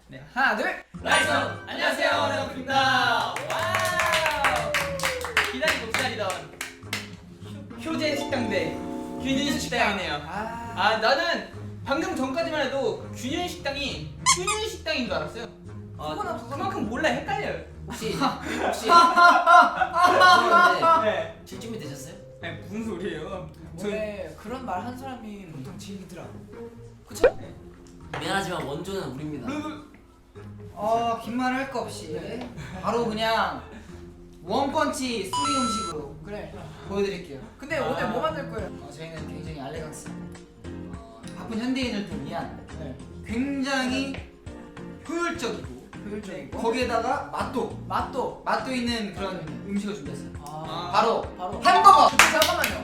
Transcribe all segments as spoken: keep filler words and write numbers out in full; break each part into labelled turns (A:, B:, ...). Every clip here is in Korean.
A: 네, 하나, 둘, 라이스! 안녕하세요, 레오입니다. 와우! 기다리고 기다리던 효제 식당 대 균일 식당이네요. 아, 아, 나는 방금 전까지만 해도 균일 식당이 균일 식당인 줄 알았어요. 아, 그거는 그만큼 몰라 헷갈려요.
B: 혹시 혹시
A: 네.
B: 질 준비 되셨어요?
A: 아니 무슨 소리예요?
C: 원래 그런 말 한 사람이 보통 질리더라. 그쵸?
A: 네.
B: 미안하지만 원조는 우리입니다.
D: 어, 긴 말 할 거 없이
C: 네.
D: 바로 그냥 원펀치 수리 음식으로
C: 그래.
D: 보여드릴게요.
C: 근데
A: 아.
C: 오늘 뭐 만들 거예요?
D: 어, 저희는 굉장히 알레강스 어, 바쁜 현대인을 좀 위한
C: 네.
D: 굉장히 효율적이고
C: 효율적이고
D: 거기에다가 맛도
C: 맛도.
D: 맛도 있는 그런 음식을 준비했어요.
C: 아.
D: 바로
C: 바로.
D: 햄버거!
C: 근데 잠깐만요.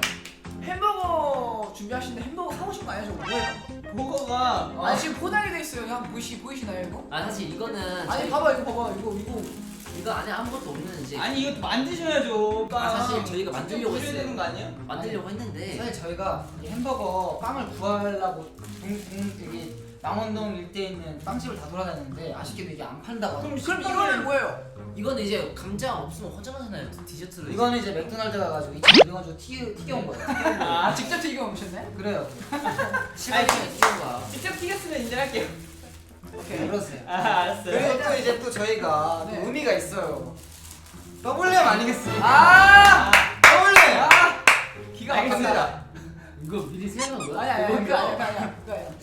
C: 햄버거 준비하시는데 햄버거 사오신 거 아니야? 저거 뭐예요?
A: 버거가
C: 아니 지금 포장이 돼 있어요. 그냥 보이시 보이시나요 이거?
B: 아 사실 이거는
C: 아니
B: 저희-
C: 봐봐 이거 봐봐 이거 이거.
B: 이거 안에 아무것도 없는 이제
A: 아니 이거 만드셔야죠.
B: 아, 사실 저희가 만들려고
A: 해야
B: 했어요.
A: 되는 거 아니야?
B: 만들려고 했는데
D: 사실 저희가 이 햄버거 빵을 구하려고 동, 동 되게 망원동 일대에 있는 빵집을 다 돌아다녔는데 아쉽게도 이게 안 판다고
A: 그럼
D: 하더라고요.
C: 그럼 이거는 뭐예요?
B: 이거는 이제 감자 없으면 허전하잖아요. 디저트로 이제.
D: 이거는 이제 맥도날드 가가지고 이천오백 원 주고 튀겨, 튀겨온 거예요.
C: 아 직접 튀겨 오셨네?
D: 그래요.
B: 시간이 튀는 거야.
A: 직접 튀겼으면 인정할게요.
C: 오케이.
D: 그러세요.
A: 아, 알았어요.
D: 그리고 또 이제 또 저희가
C: 네.
D: 또 의미가 있어요. 더블렘 아니겠습니까?
C: 아!
D: 더블렘!
C: 아!
A: 기가
D: 알겠습니다.
A: 막힙니다.
B: 이거 미리 생각한 거야?
C: 아니 아니 아니 그거 아니야 그거 아니야 그거 아니야.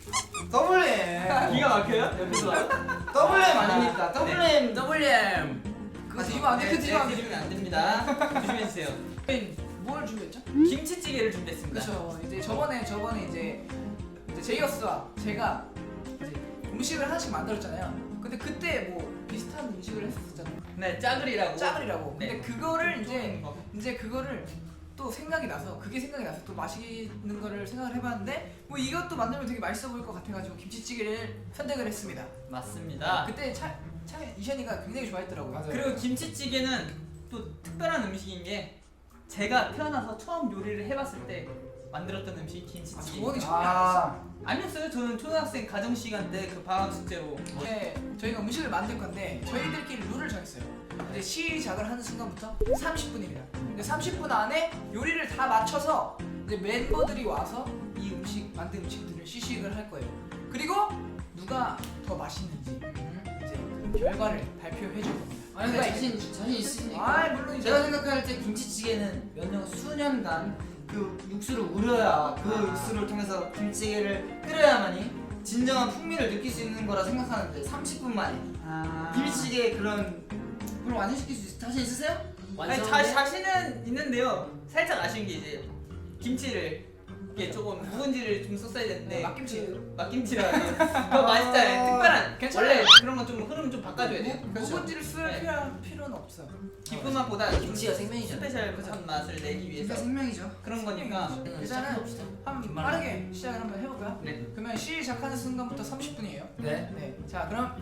D: 더블렘!
A: 기가 막혀요? 옆에서 봐요?
D: 더블렘 아닙니까? 더블렘!
B: 더블렘.
C: 그거 드시면 안 돼. 그거 드시면 안 돼.
A: 드리면 안 됩니다. 조심해 주세요.
C: 뭘 준비했죠?
A: 김치찌개를 준비했습니다.
C: 그렇죠. 이제 저번에 저번에 이제 이제 제이어스와 제가 이제 음식을 하나씩 만들었잖아요. 근데 그때 뭐 비슷한 음식을 했었잖아요.
A: 네, 짜글이라고.
C: 짜글이라고.
A: 네.
C: 근데 그거를 이제
A: 거.
C: 이제 그거를 또 생각이 나서 그게 생각이 나서 또 맛있는 거를 생각을 해봤는데 뭐 이것도 만들면 되게 맛있어 보일 것 같아가지고 김치찌개를 선택을 했습니다.
A: 맞습니다.
C: 그때 차, 차 이션이가 굉장히 좋아했더라고요.
D: 맞아요.
A: 그리고 김치찌개는 또 특별한 음식인 게 제가 태어나서 처음 요리를 해봤을 때 만들었던 음식이
C: 아,
A: 김치찌개.
C: 저번에 처음에
D: 아,
A: 아니었어요. 저는 초등학생 가정 시간 때 그 방학 숙제로.
C: 이제 저희가 음식을 만들 건데 저희들끼리 룰을 정했어요. 이제 시작을 하는 순간부터 삼십 분입니다. 근데 삼십 분 안에 요리를 다 맞춰서 이제 멤버들이 와서 이 음식 만든 음식들을 시식을 할 거예요. 그리고 누가 더 맛있는지 이제 그 결과를 발표해 줄 겁니다.
D: 아니 근데 자신, 자신 있으니까
C: 아 물론 이제
D: 제가 생각할 때 김치찌개는 몇 년, 수년간 그 육수를 우려야 그
C: 아.
D: 육수를 통해서 김치찌개를 끓여야만이 진정한 풍미를 느낄 수 있는 거라 생각하는데 삼십 분 만에
A: 아.
D: 김치찌개 그런 그럼 완성시킬 수 있, 자신 있으세요?
A: 아니, 자,
B: 완성인데?
A: 자신은 있는데요. 살짝 아쉬운 게 이제 김치를 이게 조금 묵은지를 좀 썼어야 되는데
C: 네, 막김치.
A: 막김치라 더 맛있잖아요. 특별한
C: 괜찮아요.
A: 원래 그런 건 좀 흐름 좀 바꿔줘야 돼요.
C: 묵은지를 쓸
A: 네.
C: 필요, 필요는 없어요.
A: 기쁜 맛보다
B: 김치가 생명이잖아요.
A: 스페셜한 맛을 내기 위해서
D: 진짜 생명이죠.
A: 그런 거니까.
C: 일단은
B: 시작해봅시다.
C: 한번
B: 긴
C: 빠르게 시작을 한번 해볼까요?
A: 네.
C: 그러면 시작하는 순간부터 삼십 분이에요.
D: 네.
C: 네. 자 그럼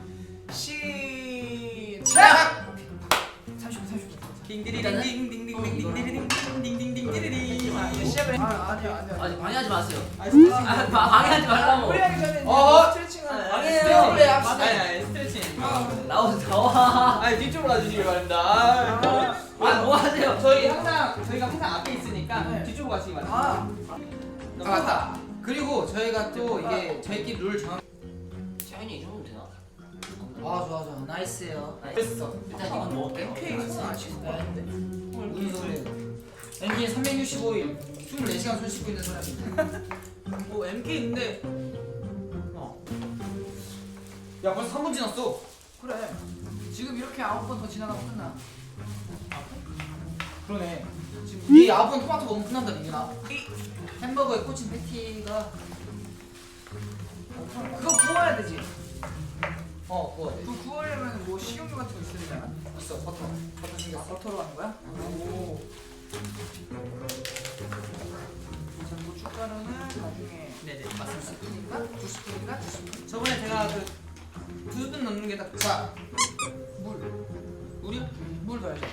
C: 시작! 삼십 분 삼십 분.
A: 딩디리딩딩딩딩딩딩딩딩딩딩딩딩딩.
C: 아 이제 시작을 해. 아 아니요 아니요.
B: 아니 방해하지 마세요.
A: 아,
B: 아, 방- 방해하지 말라고.
C: 우리 하기 전에 이제
D: 어?
C: 스트레칭을
D: 방해해요.
C: 스트레칭을
D: 그래,
C: 합시다.
A: 아니 아니 스트레칭.
B: 나오 나와.
A: 아 뒤쪽으로 와주시길 바랍니다. 아,
B: 아 뭐 하세요?
A: 저희 항상 저희가 항상 앞에 있으니까
C: 네.
A: 뒤쪽으로 가시기 바랍니다.
C: 아
D: 아 맞다. 그리고 저희가 또 이게 저희끼리 룰 정한.
B: 차이는 이 정도면 되나?
D: 아 좋아 좋아 나이스예요.
B: 됐어. 일단 이건 먹을게요.
C: 엠케이 손 안 씻고 왔는데.
D: 무슨 소리예요? 엠케이 삼백육십오 일 이십사 시간 손 씻고 있는 사람입니다.
A: 뭐 엠케이인데
D: 어. 야 벌써 삼 분 지났어.
C: 그래. 지금 이렇게 아홉 번 더 지나가면 끝나.
D: 그러네. 지금 이 아홉 번 토마토 먹으면 끝난다 민규나. 햄버거에 꽂힌 패티가
C: 그거 구워야 되지.
D: 어 그거
C: 그 구우려면 뭐 식용유 같은 거 있어야 되잖아.
D: 있어 버터 버터
C: 아,
D: 생겼어.
C: 버터로 하는 거야? 오. 자, 고춧가루는 나중에
A: 네네
C: 한
A: 맞습니다.
C: 스푼인가? 두 스푼인가? 두 스푼?
A: 저번에 제가 그 두 스푼 넣는 게 딱
D: 자
C: 물.
A: 물이요?
C: 물 넣어야죠.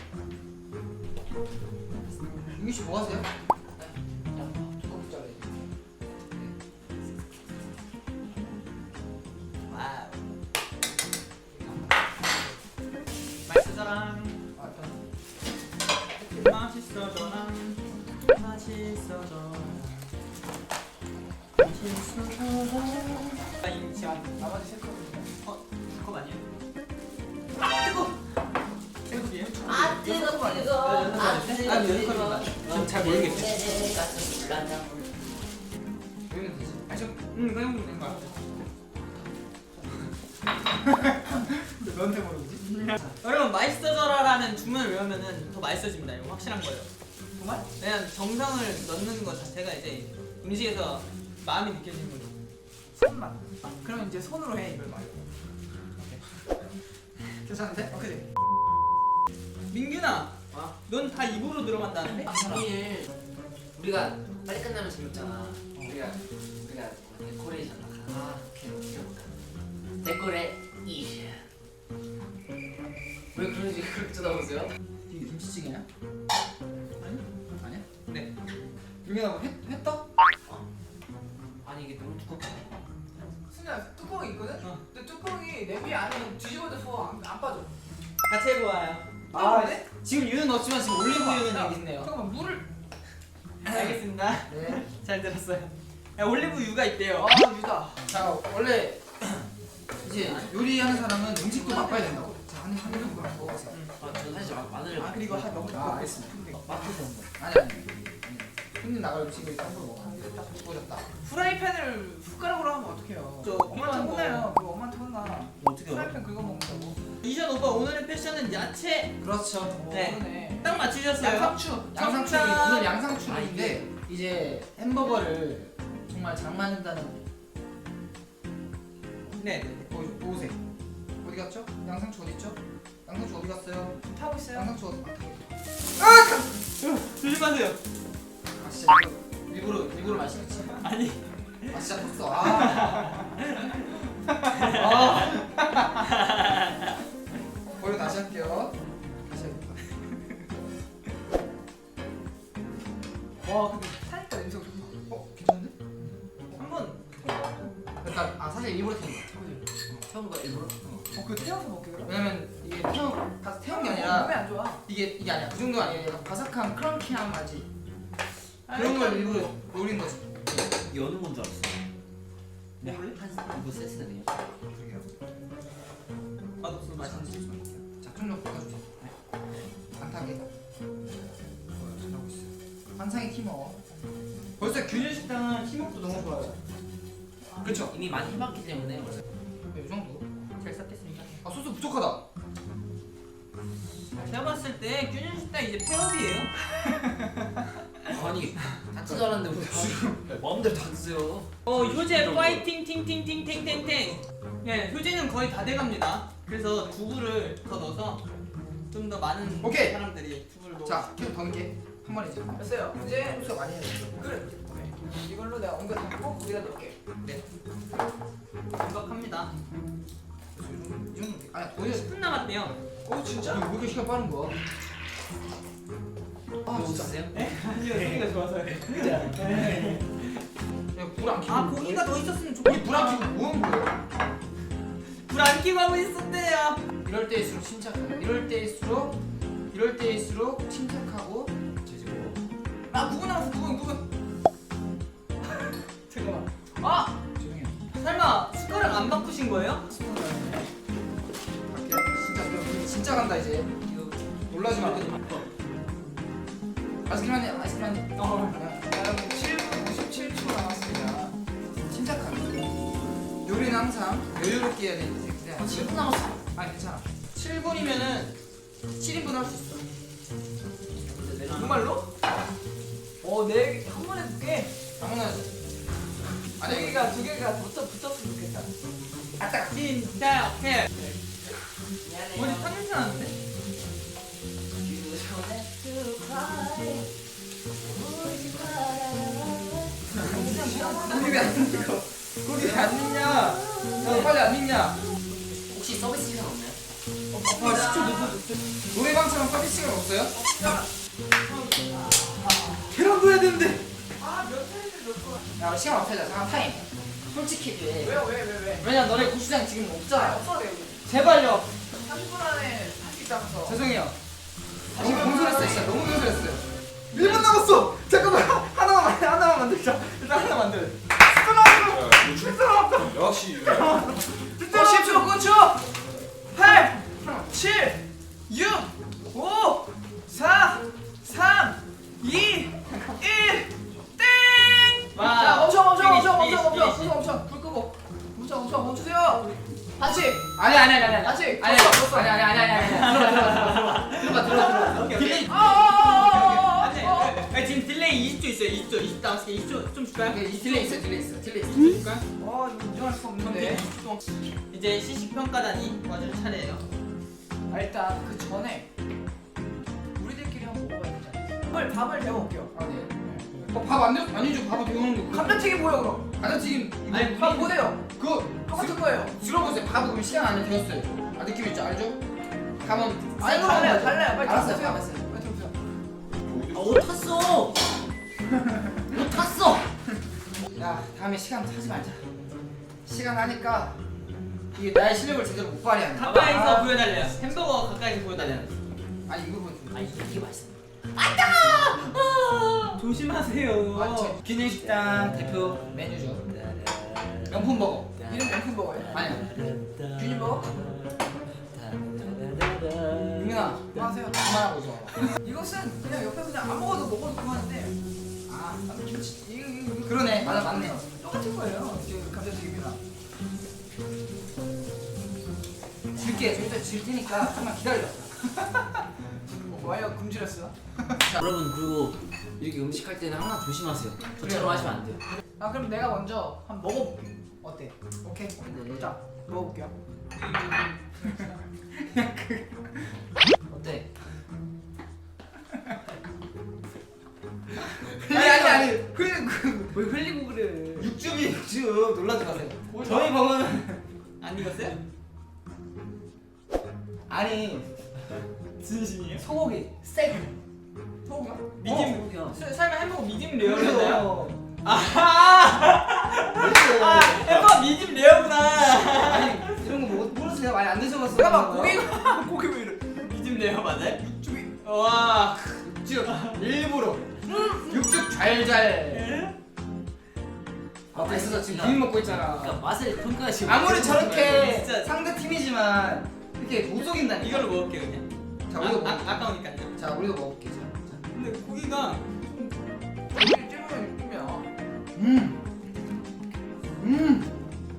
D: 민규 씨 뭐 하세요? 두껍게 잘라.
A: 와우. 맛있어져라 맛있어져라 맛있어져라 맛있어져라 아 인치한
C: 나머지 세 컵입니다.
A: 어? 두컵 아니에요? 아 뜨거! 세 컵이에요?
B: 아 뜨거 뜨거 아 뜨거
A: 아, 몇 컵인가? 지금 잘 모르겠어요.
B: 내 가슴 불난다
D: 여기는 되지.
A: 아니 저응 그냥 먹는 거 같아
C: 너한테 모르지?
A: 여러분 맛있어져라라는 주문을 외우면은 더 맛있어집니다. 이거 확실한 거예요.
C: 정말?
A: 그냥 정성을 넣는 것 자체가 이제 음식에서 마음이 느껴지는 거죠.
C: 손만. 아, 그럼 이제 손으로 해 이걸 말고.
D: 괜찮은데?
C: 오케이.
A: 민균아,
B: 어?
A: 넌 다 입으로 들어간다는데?
B: 내일 우리가 빨리 끝나면 재밌잖아 우리가 우리가 데코레이션 아 오케이 오케이 데코레이션 왜 그런지 그렇게 쳐다보세요?
D: 이게 김치찌개냐?
A: 아니?
D: 아니야?
A: 네.
D: 여기다 뭐 회, 회떡?
B: 아니 이게 너무 두껍지
C: 순이야 뚜껑이 있거든?
A: 어.
C: 근데 뚜껑이 냄비 안에 뒤집어져서 안, 안 빠져.
A: 같이 해보아요.
D: 아,
C: 네?
D: 지금 유는 넣었지만 지금 올리브유는
C: 야,
D: 여기 있네요.
C: 잠깐만 물을.
A: 알겠습니다.
D: 네.
A: 잘 들었어요. 야, 올리브 유가 있대요.
C: 아 유다.
D: 자, 원래 이제 요리하는 사람은 음식도 바꿔야 된다고. 자, 한, 한 입만 먹어보세요.
B: 아, 저 사실 마- 마늘을
C: 아 그리고 한 너무
D: 아, 알겠습니다.
B: 마트에서 온 거.
D: 아니, 아니. 아니. 손님 나갈 음식을 일단 함부로 먹어. 한 입에 딱 부어졌다.
C: 프라이팬을 숟가락으로 하면 어떡해요?
A: 저
C: 엄마한테
A: 필요한 거.
C: 혼나요. 그거 엄마한테 혼나.
B: 어떻게
C: 프라이팬 긁어 먹는다고.
A: 이전 오빠 오늘의 패션은 야채.
D: 그렇죠.
C: 어,
A: 네.
C: 그러네.
A: 딱 맞추셨어요.
C: 양상추.
D: 양상추
A: 정답.
D: 오늘 양상추인데 이제 햄버거를 정말 잘 만든다는
A: 네, 네.
D: 보, 보세요. 어디 갔죠? 양상추 어디 있죠? 양상추 어디 갔어요?
C: 지금 타고 있어요.
D: 양상추 어디? 아,
A: 조심하세요.
D: 아 진짜 이거 일부러 일부러 말씀했지.
A: 아니.
D: 아 진짜 컸어. 아. 아. 버려 다시 할게요. 다시 해야겠다.
C: 와 근데 타니까 냄새가 좋다.
D: 어 괜찮은데?
A: 한번
D: 그러니까 아 사실 일부러 태운 거야.
B: 태운 거 일부러?
C: 어 그거 태워서 먹게 그래?
D: 왜냐면 이게 태운 가서 태운 게
C: 몸에
D: 아니라
C: 안 좋아.
D: 이게 이게 아니야. 그 정도 아니야. 약간 바삭한 크런키한 맛이 그런 걸 일부러 노린 거지.
B: 이게 어느 건줄 알았어
A: 네.
B: 한 이거 세트네요
D: 그러게요.
A: 맛없어 맛있는지.
D: 자, 좀 더 볶아주세요. 안 타게. 어, 잘하고 있어요. 환상의 팀워.
A: 벌써 균일 식당은 팀워크도 너무 좋아요.
D: 그렇죠.
B: 이미 많이 해봤기 때문에 벌써
D: 이 정도.
A: 잘 섞겠습니다.
D: 아 소스 부족하다.
A: 제가 봤을 때 균일 식당 이제 폐업이에요.
B: 아니 다 뜯어 알았는데 왜 마음대로 다 드세요
A: 어 효제 파이팅 팅팅팅 탱탱탱. 네 효제는 거의 다 돼갑니다. 그래서 두부를 더 넣어서 좀 더 많은
D: 오케이.
A: 사람들이 두부를 넣어.
D: 자, 계속 더 넣게. 한 번에 이제.
C: 됐어요. 이제
D: 소스가 많이 해야 돼.
C: 그래. 오케이. 이걸로 내가 옮겨 담고 거기다 넣을게.
A: 완벽합니다.
D: 이 정도. 아니 더 해야 돼.
A: 십 분 남았대요.
C: 오 진짜?
D: 왜 이렇게 시간 빠른 거야? 아
B: 뭐
D: 진짜.
B: 드세요?
A: 아니요 소리가 좋아서요.
D: 불안 켜고.
A: 아 고기가 더 있었으면
D: 우리 불안
A: 좋겠다.
D: 켜고 뭐 하는 거예요?
A: 불안 켜고 하고 있었대요.
D: 이럴 때일수록 침착하고. 이럴 때일수록 이럴 때일수록 침착하고.
B: 제지고
C: 아 누구 나왔어? 누구 누구?
A: 잠깐만. 아
D: 조용히 해.
A: 설마 숟가락 안 바꾸신 거예요?
D: 갈게요. 진짜 그럼 진짜 간다 이제. 이거 놀라지 마. 아이스크림 한 입, 아이스크림 한 입.
A: 어.
C: 여러분 칠 분 오십칠 초 남았습니다.
D: 침착하게. 요리는 항상 여유롭게 해야 되는데 그냥
B: 아, 칠 분 남았어
D: 아니 괜찮아.
A: 칠 분이면은
D: 칠 인분 할 수 있어.
C: 정말로? 어네한 번에 두 개.
D: 아무나
C: 두
D: 아니
C: 개가 두 개가 붙어 붙었으면 좋겠다.
A: 아딱 진짜 오케이.
B: 미안해요
A: 뭐지 탕냄새 나는데?
D: 고기 왜안 익어? 고기 왜안 익냐? 야 빨리 안 익냐?
B: 혹시 서비스 시간 없나요?
D: 아 시초 늦어졌어. 노래방처럼 서비스가 없어요? 계란 구워야 되는데.
C: 아몇 차례를 넣고.
D: 야 시간 없애자. 잠깐 타임. 솔직히 해.
C: 왜요 왜 왜 왜?
D: 왜냐 너네 고추장 지금
C: 아
D: 없잖아.
C: 없어 내 여기.
A: 제발요.
C: 삼십 분 안에 할 수 식당에서.
D: 죄송해요. 너무 공손했어요. 진짜 너무 공손했어요. 일 분 남았어. 잠깐만 하나만 만- 하나만 만들자. 일단 하나 만들.
E: 역시
C: 또 십 초 구 초. 팔, 칠, 육, 오, 사, 삼, 이, 일. 땡!
A: 와.
C: 자, 멈춰, 멈춰,
A: 피니시,
C: 멈춰, 멈춰,
A: 피니시,
C: 멈춰,
A: 피니시.
C: 멈춰, 멈춰. 불 끄고. 멈춰, 멈춰, 멈추세요. 다시.
D: 아니 아니 아니 아니.
C: 아직
D: 아니
C: 졌어, 졌어.
D: 아니 아니 아니 아니 아니. 들어가 들어가 들어가 들어가 들어가.
A: 오케이, 오케이.
D: 딜레이.
C: 아, 아, 아,
A: 안돼.
C: 아, 아, 아.
A: 아니, 지금 딜레이 이십 초 있어요. 이십 초, 이십 남았으니까 이십 초 좀 줄까요?
D: 오케이, 이 딜레이 있어 딜레이 있어 딜레이 있어.
A: 줄까요?
C: 아, 이거 인정할 수 없는데.
A: 이제 시식 평가단이 와줄 차례예요.
C: 아, 일단 그 전에 우리들끼리 한번 먹어봐야 되지 않겠어요? 밥을 밥을 배워볼게요.
D: 아 네. 어밥안 돼? 아니죠 밥을 배우는 거.
C: 감자튀김 뭐예요 그럼?
D: 감자튀김
A: 아니,
C: 밥 보세요.
D: 그
C: 똑같은 거예요.
D: 들어보세요. 밥은 그럼 시간 안에 되었어요. 아 느낌 있죠 알죠? 밥은
C: 아니 달라요 달라요. 빨리
D: 알았어요,
C: 들어보세요.
D: 알았어요.
C: 빨리 들어보세요.
B: 아, 옷 탔어. 옷 탔어.
D: 야 다음에 시간 타지 말자. 시간 하니까 이게 나의 실력을 제대로 못 발휘하네.
A: 가까이서
D: 아,
A: 보여달래요. 햄버거 가까이서 보여달래요.
D: 아니 이거 보여.
B: 아 이게 이게 맛있어.
A: 조심하세요.
D: 맞죠. 균형식당 대표 메뉴죠. 명품 버거.
C: 이름 명품 버거예요.
D: 아니야.
C: 균일 버거?
D: 유민아
C: 안녕하세요.
D: 그만하고 있어.
C: 이것은 그냥 옆에 그냥 안 먹어도 먹어도 그만한데. 아, 나도 김치 이거 이거 이거
D: 그러네. 맞아 맞네.
C: 똑같은 거예요. 지금 감자튀김이랑.
D: 질게 절대 질 테니까 조금만 기다려.
C: 어, 와이어 금지렸어.
B: 자, 여러분 그리고 이렇게 음식 할 때는 항상 조심하세요. 저처럼 하시면 안 돼요.
C: 아 그럼 내가 먼저 한번 먹어볼게. 어때? 오케이.
B: 네.
C: 자 먹어볼게요.
B: 어때?
D: 아니 아니 아니. 그, 그
A: 왜 흘리고 그래?
D: 육즙이 육즙 놀라지 마세요. 저희 버거는
A: 안 익었어요?
D: 아니
A: 진심이에요?
D: 소고기 세트.
C: 소고기야?
A: 미디움.
B: 어,
A: 사- 설마 햄버거 미디움 레어였나요?
D: 그래요.
A: 아하! 아, 햄버거 미디움 레어구나.
D: 아니 이런 거 모- 모르세요? 많이 안 드셔봤어요?
C: 잠깐만 고기가 고기 왜 이래?
A: 미디움 레어 맞아요?
C: 육즙이.
A: 와.
D: 육즙 일부러 육즙 잘잘. 아 맛있어 지금 비빔 먹고 있잖아.
B: 그러니까 맛을 평가하시고.
D: 아무리 저렇게
A: 진짜.
D: 상대 팀이지만 이렇게 못 속인다니까.
A: 이걸로 먹을게 그냥.
D: 자
A: 아,
D: 우리도 먹.
A: 아, 아까우니까요.
D: 자 우리도 먹을게. 자.
A: 근데 고기가
C: 고기 찝으면 느낌이야.
D: 음. 음.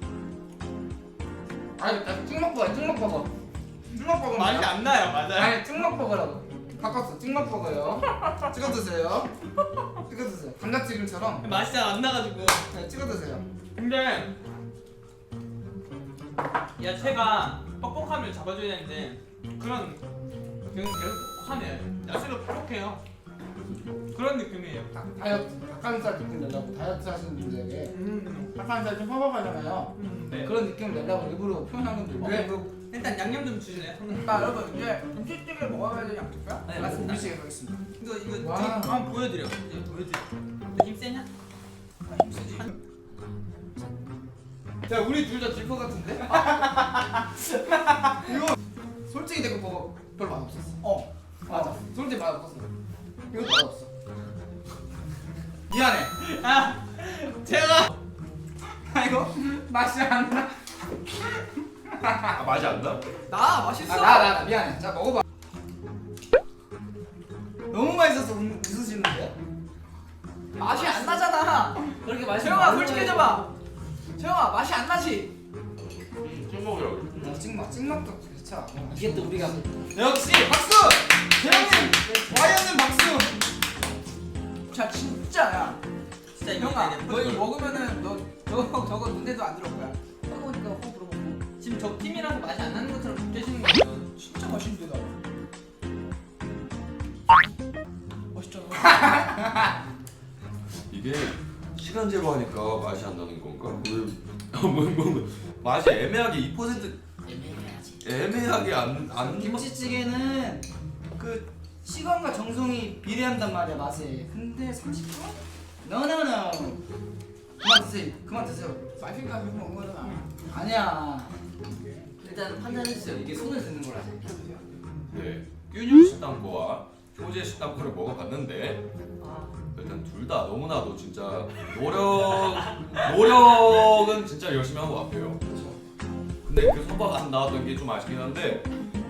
D: 아니 나 찍먹버거 찍먹버거. 찍먹버거
A: 맛이 안 나요, 맞아요?
D: 아니 찍먹버거라고. 바꿨어 찍먹버거요. 찍어 드세요. 찍어 드세요. 감자튀김처럼.
A: 맛이 잘 안 나가지고.
D: 네, 찍어 드세요.
A: 근데 야채가 뻑뻑함을 잡아줘야 되는데 그런 그냥 계속 뻑뻑하네. 야채가 뻑뻑해요. 그런 느낌이에요.
D: 다- 다이어트 닭가슴살 느낌 내려고 다이어트 하시는 분들에게
A: 음,
D: 닭가슴살 좀 뻑뻑하잖아요.
A: 음, 네.
D: 그런 느낌 내려고 일부러 표현한 건데 왜?
A: 왜? 일단 양념 좀 주실래요?
C: 자 여러분 이제 김치찌개 먹어야 되지 않을까요?
A: 네, 맞습니다.
C: 김치찌개 가겠습니다.
A: 이거 이거
D: 와.
A: 되게 한번 보여드려. 이제 보여드려. 힘 세냐?
C: 아, 힘쓰지.
D: 야 우리 둘 다 질 것 같은데? 이거 솔직히 내가 뭐 별로 맛없었어.
C: 어.
D: 맞아. 솔직히 맛없었어. 이것도 맛없어. 미안해.
A: 아, 제가
D: 아 이거 맛이 안 나.
E: 아 맛이 안 나?
C: 나 맛있어.
D: 아, 나, 나, 나 미안해. 자 먹어봐. 너무 맛있어서 웃, 웃으시는데?
C: 맛이 안 나잖아.
B: 그렇게 맛있어.
C: 재영아 솔직해져봐. 재영아 맛이 안 나지.
E: 햄버거라고.
D: 어, 찍먹, 찍먹도 그렇죠.
B: 이게 또 우리가
D: 역시 박수! 재영님! 와이어는 박수!
C: 자 진짜야.
A: 진짜 이거
C: 형아
A: 이제
C: 너 이거
A: 보여드려.
C: 먹으면은 너 저거 저거 눈에도 안 들어올 거야. 뜨거우니까 호흡 불어먹고.
A: 지금 적 팀이라서 맛이 안 나는 것처럼 느껴지는 거예요.
C: 진짜 맛있는데 나. 맛있잖아.
E: 이게 시간제로 하니까 맛이 안 나는 건가? 왜? 뭐, 뭐, 뭐, 맛이 애매하게 이 퍼센트
B: 애매해야지.
E: 애매하게 안안
D: 김치찌개는 그 시간과 정성이 비례한단 말이야 맛에. 근데 삼십 분? 노노노. 그만 드세요. 그만 드세요.
C: 맛있니까 계속 먹는 거잖아.
D: 아니야.
B: 일단 판단해주세요. 이게 손을 드는 거라.
E: 네, 균유 식당 거와 효제 식당 거를 먹어봤는데 일단 둘 다 너무나도 진짜 노력 노력은 진짜 열심히 한 것 같아요. 근데 그 성과가 안 나왔던 게 좀 아쉽긴 한데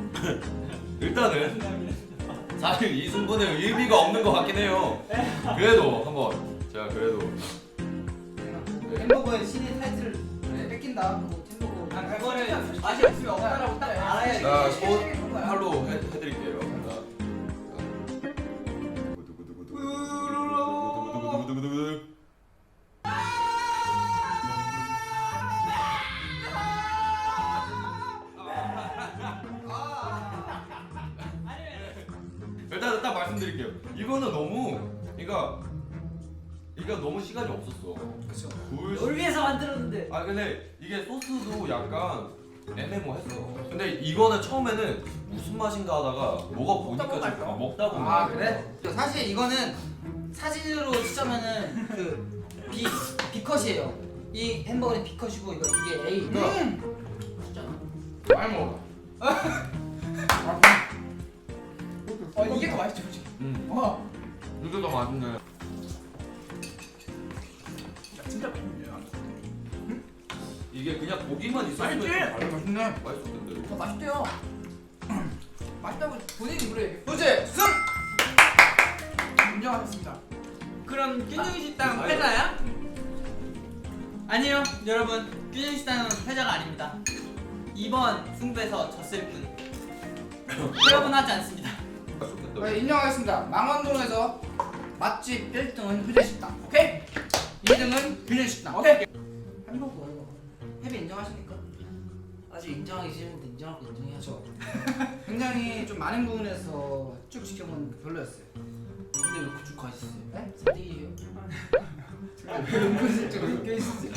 E: 일단은 사실 이 승부는 의미가 없는 것 같긴 해요. 그래도 한번 제가 그래도 네.
D: 햄버거의 신의 타이틀을 뺏긴다. 뭐 햄버거.
A: 아, 그거를 맛이 없으면 없다라고 딱 알아야지.
E: 자,
C: 이게
E: 손
C: 되게 좋은 거야.
E: 팔로 해, 해드릴게요. 자. 두구두구두구두구두구두구두구두구두구두구두구두구두구. 일단 딱 말씀드릴게요. 이거는 너무, 그러니까 이거 너무 시간이 없었어.
C: 그렇죠.
E: 굴
B: 널 위해서 만들었는데.
E: 아 근데 이게 소스도 약간 애매모했어. 근데 이거는 처음에는 무슨 맛인가 하다가 먹어 보니까
C: 먹다 보면
E: 좀
C: 알죠.
E: 먹다 보면
D: 아
E: 알죠.
D: 그래? 사실 이거는 사진으로 치자면은 그 B B컷이에요. 이 햄버거는 B컷이고 이거 이게 A. 이거
E: 많이 먹어.
C: 어 이게 더 맛있죠, 솔직히.
E: 음,
C: 와,
E: 이게 더 맛있네.
C: 야, 진짜 맛있네요.
E: 이게 그냥 고기만 있었으면
C: 맛있지?
E: 좀 달라.
D: 맛있네.
E: 맛있을 텐데.
C: 더 맛있대요. 맛있다고 본인 입으로 얘기해.
D: 도제 승.
C: 인정하셨습니다.
A: 그럼 균형 식당
E: 아유.
A: 패자야? 아니요, 여러분. 균형 식당은 패자가 아닙니다. 이번 승부에서 졌을 뿐. 패업은 하지 않습니다.
E: 맛있겠다.
C: 네, 인정하겠습니다. 망원동에서 맛집 일 등은 효제식당. 오케이? 이 등은 균현식당. 오케이?
D: 햄버거 이거. 햄이 인정하십니까?
B: 아직 인정하기 싫은데 인정할 거 인정해야죠.
D: 굉장히 좀 많은 부분에서 쭉 지켜본 별로였어요.
B: 근데 왜 그쪽 가 있었어요?
D: 네?
B: 사대기예요.
D: 은근슬쩍 엮여 있었지.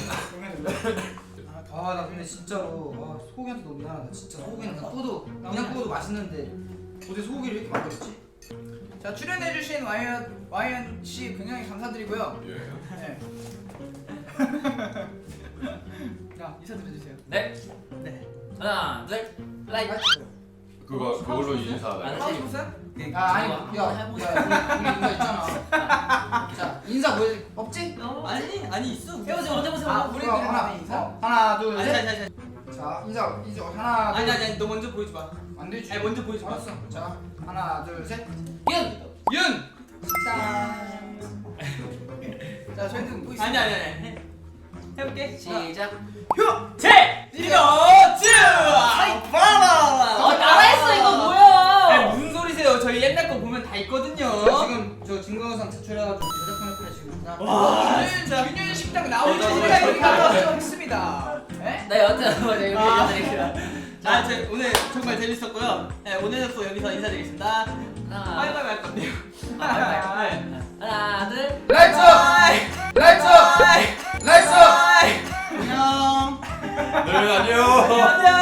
D: 아 나 근데 진짜로 와, 소고기한테 너무 미안하다. 진짜 소고기는 그냥 구워도 그냥 구워도 맛있는데 어제 소고기를 이렇게 만들었지?
C: 자, 출연해주신 와이언, 와이언 씨 굉장히 감사드리고요.
E: 예.
C: 네. 자, 인사드려주세요.
B: 네.
C: 네.
B: 하나, 둘, 라이트.
E: 그거 그걸로 인사하다.
B: 안
C: 하고
B: 해.
C: 싶었어요?
D: 아 아니
B: 한번
D: 야,
B: 해보자.
D: 야 우리 우리 이거 있잖아. 자 인사 뭐 없지?
A: 아니, 아니 있어.
B: 해보세요, 먼저 해보세요.
C: 아,
B: 먼저.
C: 우리
D: 그럼
C: 하나,
D: 하나
C: 인사?
D: 어, 하나 둘
A: 아니,
D: 셋.
A: 아니, 아니, 아니,
D: 자 인사 인사 하나
A: 아니,
D: 둘.
A: 아니, 아니, 너 먼저 보여줘 봐.
D: 안 되지.
A: 아니, 먼저 보여줘 봐.
D: 알았어. 자 하나 둘 셋.
B: 윤.
A: 윤.
C: 짠. 자, 저희는 뭐 있어요?
A: 아니, 아니, 아니. 해. 해볼게.
B: 시작.
A: 제 이거즈.
B: 어, 따라했어 이거
A: 아니,
B: 뭐야?
A: 무슨 소리세요? 저희 옛날 거 보면 다 있거든요.
D: 지금 저 증거영상 제출해가지고 제작하는 플레이 지금 있구나.
A: 와,
C: 균현, 균현 식당 나오는
A: 이거
C: 시간이
A: 이거
C: 여기
A: 이거
C: 나왔습니다. 네?
B: 나 여튼 한번 이렇게
A: 아.
B: 인사드릴게요.
A: 자, 저 오늘 정말 재밌었고요. 네, 오늘은 또 여기서 인사드리겠습니다.
B: 하나,
A: 바이바이 할 건데요.
B: 아, 바이바이.
A: 네.
B: 하나, 둘.
D: 라이트 라이트 라이트.
A: 안녕.
E: 네 안녕.
A: 안녕.